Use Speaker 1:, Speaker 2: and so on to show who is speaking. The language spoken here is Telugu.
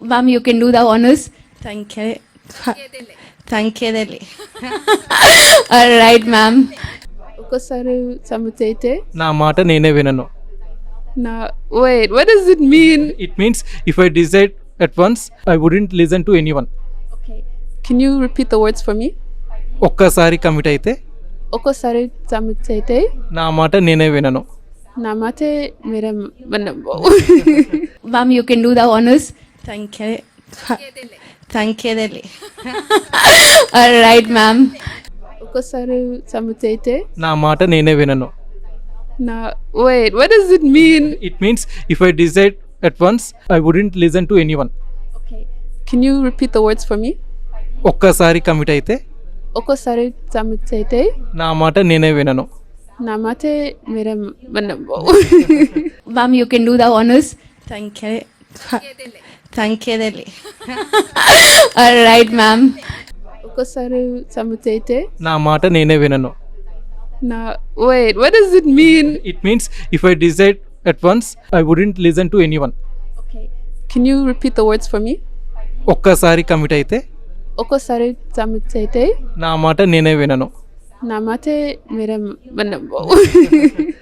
Speaker 1: Ma'am, you can do the honors.
Speaker 2: Thank you. Thank you, Delhi.
Speaker 1: All right, ma'am.
Speaker 3: ఒక్కసారి సబ్మిట్ అయితే
Speaker 4: నా మాట నేనే వినను.
Speaker 3: నా wait what does it mean
Speaker 4: it means if I decide at once I wouldn't listen to anyone.
Speaker 3: Can you repeat the words for me
Speaker 4: ఒక్కసారి కమిట్ అయితే
Speaker 3: ఒక్కసారి సబ్మిట్ అయితే
Speaker 4: నా మాట నేనే వినను.
Speaker 3: నా మాటే మీరే
Speaker 1: Ma'am, you can do the honors.
Speaker 2: Thank you. Thank you, Delhi.
Speaker 1: All right, ma'am.
Speaker 3: ఒక్కసారి సబ్మిట్ అయితే
Speaker 4: నా మాట నేనే వినను.
Speaker 3: నా wait what does it mean
Speaker 4: it means if I decide at once I wouldn't listen to anyone.
Speaker 3: Can you repeat the words for me
Speaker 4: ఒక్కసారి కమిట్ అయితే
Speaker 3: ఒక్కసారి సబ్మిట్ అయితే
Speaker 4: నా మాట నేనే వినను.
Speaker 3: నా మాటే మీరే
Speaker 1: Ma'am, you can do the honors.
Speaker 2: Thank you. Thank you, Delhi.
Speaker 1: All right, ma'am.
Speaker 3: ఒక్కసారి సబ్మిట్ అయితే
Speaker 4: నా మాట నేనే వినను.
Speaker 3: నా wait what does it mean
Speaker 4: it means if I decide at once I wouldn't listen to anyone.
Speaker 3: Can you repeat the words for me
Speaker 4: ఒక్కసారి కమిట్ అయితే
Speaker 3: ఒక్కసారి సబ్మిట్ అయితే
Speaker 4: నా మాట నేనే వినను.
Speaker 3: నా మాటే మీరే